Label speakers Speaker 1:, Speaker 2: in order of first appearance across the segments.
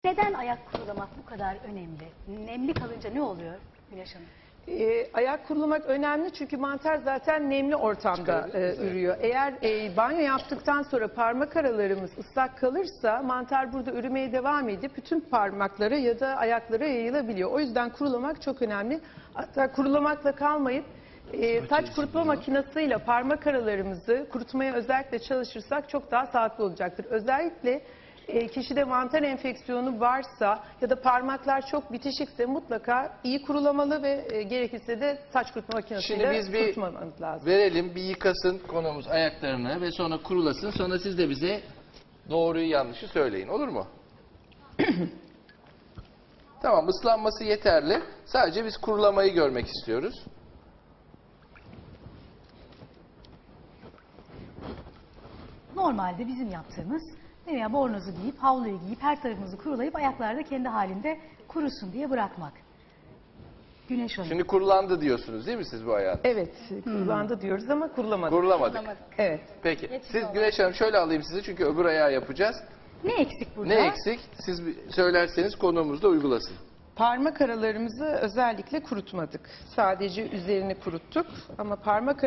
Speaker 1: Neden ayak kurulamak bu kadar önemli? Nemli kalınca ne oluyor Güneş Hanım?
Speaker 2: Ayak kurulamak önemli çünkü mantar zaten nemli ortamda ürüyor. Eğer banyo yaptıktan sonra parmak aralarımız ıslak kalırsa mantar burada ürümeye devam edip bütün parmaklara ya da ayaklara yayılabiliyor. O yüzden kurulamak çok önemli. Hatta kurulamakla kalmayıp saç kurutma makinesiyle parmak aralarımızı kurutmaya özellikle çalışırsak çok daha sağlıklı olacaktır. Özellikle kişide mantar enfeksiyonu varsa ya da parmaklar çok bitişikse mutlaka iyi kurulamalı ve gerekirse de saç kurutma makinesiyle kurutmamız lazım.
Speaker 3: Verelim, bir yıkasın konumuz ayaklarını ve sonra kurulasın. Sonra siz de bize doğruyu yanlışı söyleyin, olur mu? Tamam, ıslanması yeterli. Sadece biz kurulamayı görmek istiyoruz.
Speaker 1: Normalde bizim yaptığımız veya bornozu giyip, havluyu giyip, her tarafımızı kurulayıp ayaklarda kendi halinde kurusun diye bırakmak. Güneş Hanım.
Speaker 3: Şimdi kurulandı diyorsunuz değil mi siz bu ayağın?
Speaker 2: Evet, kurulandı diyoruz ama kurulamadık.
Speaker 3: Kurulamadık.
Speaker 2: Evet.
Speaker 3: Peki. Siz Güneş Hanım şöyle alayım sizi çünkü öbür ayağı yapacağız.
Speaker 1: Ne eksik burada?
Speaker 3: Ne eksik? Siz söylerseniz konuğumuzda uygulasın.
Speaker 2: Parmak aralarımızı özellikle kurutmadık. Sadece üzerini kuruttuk ama parmak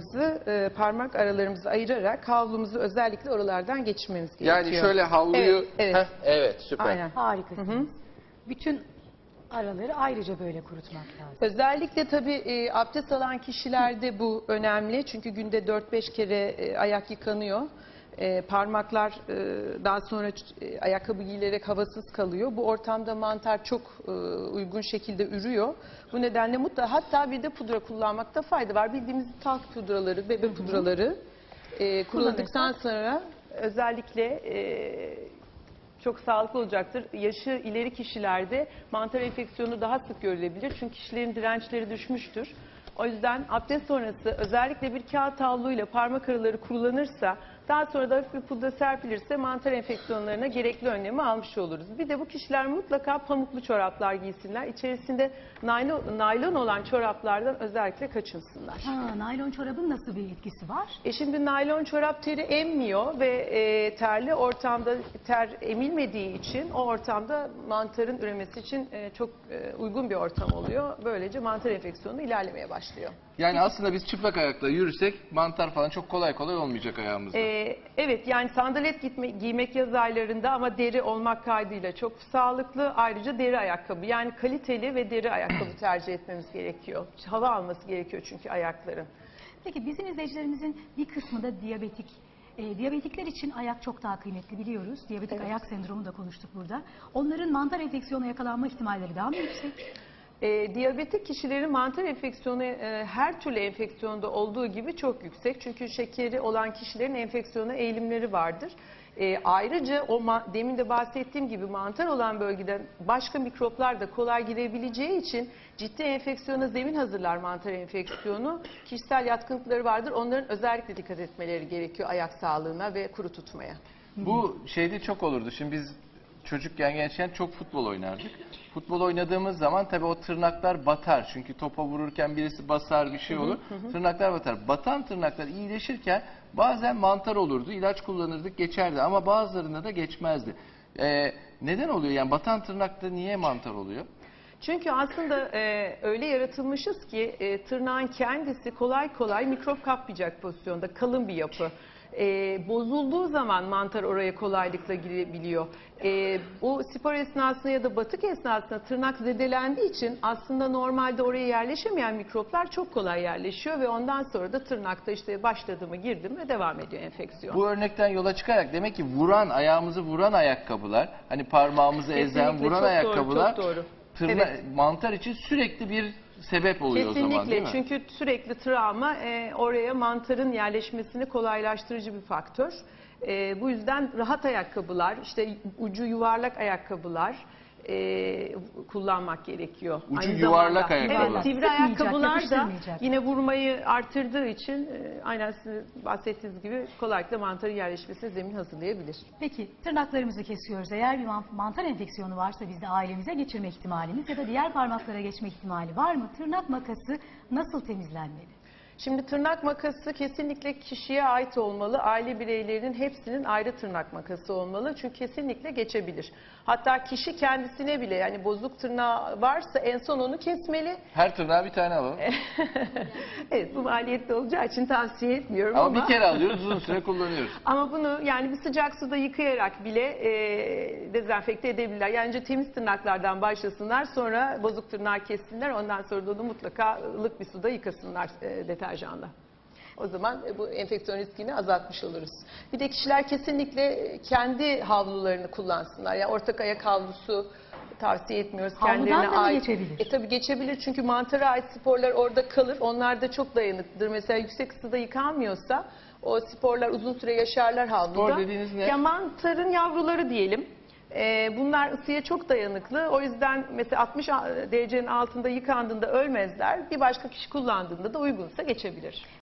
Speaker 2: aralarımızı ayırarak havlumuzu özellikle oralardan geçirmemiz gerekiyor.
Speaker 3: Yani şöyle havluyu...
Speaker 2: Evet, evet.
Speaker 3: Evet, süper.
Speaker 2: Aynen.
Speaker 1: Harikasınız. Bütün araları ayrıca böyle kurutmak lazım.
Speaker 2: Özellikle tabii abdest alan kişilerde bu önemli. Çünkü günde 4-5 kere ayak yıkanıyor. Parmaklar daha sonra ayakkabı giyilerek havasız kalıyor. Bu ortamda mantar çok uygun şekilde ürüyor. Bu nedenle mutlaka hatta bir de pudra kullanmakta fayda var. Bildiğimiz talk pudraları, bebe pudraları kullandıktan sonra özellikle çok sağlıklı olacaktır. Yaşı ileri kişilerde mantar enfeksiyonu daha sık görülebilir. Çünkü kişilerin dirençleri düşmüştür. O yüzden abdest sonrası özellikle bir kağıt havluyla parmak araları kurulanırsa, daha sonra da hafif bir pudra serpilirse mantar enfeksiyonlarına gerekli önlemi almış oluruz. Bir de bu kişiler mutlaka pamuklu çoraplar giysinler. İçerisinde naylon olan çoraplardan özellikle kaçınsınlar.
Speaker 1: Naylon çorabın nasıl bir etkisi var?
Speaker 2: Şimdi naylon çorap teri emmiyor ve terli ortamda ter emilmediği için o ortamda mantarın üremesi için çok uygun bir ortam oluyor. Böylece mantar enfeksiyonu ilerlemeye başlıyor.
Speaker 3: Yani aslında biz çıplak ayakla yürüsek mantar falan çok kolay olmayacak ayağımızda.
Speaker 2: Evet, yani sandalet giymek yaz aylarında ama deri olmak kaydıyla çok sağlıklı. Ayrıca deri ayakkabı, yani kaliteli ve deri ayakkabı tercih etmemiz gerekiyor. Hava alması gerekiyor çünkü ayakların.
Speaker 1: Peki bizim izleyicilerimizin bir kısmı da diyabetik. Diyabetikler için ayak çok daha kıymetli biliyoruz. Diyabetik ayak sendromu da konuştuk burada. Onların mantar enfeksiyona yakalanma ihtimalleri daha mı yüksek?
Speaker 2: Diyabetik kişilerin mantar enfeksiyonu her türlü enfeksiyonda olduğu gibi çok yüksek. Çünkü şekeri olan kişilerin enfeksiyona eğilimleri vardır. Ayrıca demin de bahsettiğim gibi mantar olan bölgeden başka mikroplar da kolay girebileceği için ciddi enfeksiyona zemin hazırlar mantar enfeksiyonu. Kişisel yatkınlıkları vardır. Onların özellikle dikkat etmeleri gerekiyor ayak sağlığına ve kuru tutmaya.
Speaker 3: Bu şeyde çok olurdu. Şimdi biz çocukken, gençken çok futbol oynardık. Futbol oynadığımız zaman tabii o tırnaklar batar. Çünkü topa vururken birisi basar, bir şey olur. Tırnaklar batar. Batan tırnaklar iyileşirken bazen mantar olurdu. İlaç kullanırdık, geçerdi. Ama bazılarında da geçmezdi. Neden oluyor? Yani batan tırnakta niye mantar oluyor?
Speaker 2: Çünkü aslında öyle yaratılmışız ki tırnağın kendisi kolay kolay mikrop kapmayacak pozisyonda, kalın bir yapı. Bozulduğu zaman mantar oraya kolaylıkla girebiliyor. Bu spor esnasında ya da batık esnasında tırnak zedelendiği için aslında normalde oraya yerleşemeyen mikroplar çok kolay yerleşiyor ve ondan sonra da tırnakta işte başladı mı, girdi mi devam ediyor enfeksiyon.
Speaker 3: Bu örnekten yola çıkarak demek ki ayağımızı vuran ayakkabılar, hani parmağımızı ezen, vuran ayakkabılar,
Speaker 2: çok doğru.
Speaker 3: Mantar için sürekli bir sebep oluyor o zaman, değil mi?
Speaker 2: Çünkü sürekli travma oraya mantarın yerleşmesini kolaylaştırıcı bir faktör. Bu yüzden rahat ayakkabılar, işte ucu yuvarlak ayakkabılar kullanmak gerekiyor.
Speaker 3: Ucu yuvarlak ayakkabılar.
Speaker 2: Evet, sivri ayakkabılar da yine vurmayı artırdığı için aynen sizin bahsettiğiniz gibi kolaylıkla mantarın yerleşmesine zemin hazırlayabilir.
Speaker 1: Peki tırnaklarımızı kesiyoruz. Eğer bir mantar enfeksiyonu varsa bizde ailemize geçirme ihtimalimiz ya da diğer parmaklara geçme ihtimali var mı? Tırnak makası nasıl temizlenmeli?
Speaker 2: Şimdi tırnak makası kesinlikle kişiye ait olmalı. Aile bireylerinin hepsinin ayrı tırnak makası olmalı. Çünkü kesinlikle geçebilir. Hatta kişi kendisine bile, yani bozuk tırnağı varsa en son onu kesmeli.
Speaker 3: Her tırnağa bir tane alalım.
Speaker 2: Evet, bu maliyetli olacağı için tavsiye etmiyorum
Speaker 3: Ama
Speaker 2: ama.
Speaker 3: bir kere alıyoruz, uzun süre kullanıyoruz.
Speaker 2: Ama bunu yani bir sıcak suda yıkayarak bile dezenfekte edebilirler. Yani önce temiz tırnaklardan başlasınlar, sonra bozuk tırnağı kessinler. Ondan sonra da onu mutlaka ılık bir suda yıkasınlar deterjanla. O zaman bu enfeksiyon riskini azaltmış oluruz. Bir de kişiler kesinlikle kendi havlularını kullansınlar. Yani ortak ayak havlusu tavsiye etmiyoruz.
Speaker 1: Havludan
Speaker 2: Kendilerine
Speaker 1: da mı
Speaker 2: ait.
Speaker 1: geçebilir?
Speaker 2: Tabii geçebilir, çünkü mantara ait sporlar orada kalır. Onlar da çok dayanıklıdır. Mesela yüksek ısıda yıkanmıyorsa o sporlar uzun süre yaşarlar havluda.
Speaker 3: Spor dediğiniz ne?
Speaker 2: Ya mantarın yavruları diyelim. Bunlar ısıya çok dayanıklı. O yüzden mesela 60 derecenin altında yıkandığında ölmezler. Bir başka kişi kullandığında da uygunsa geçebilir.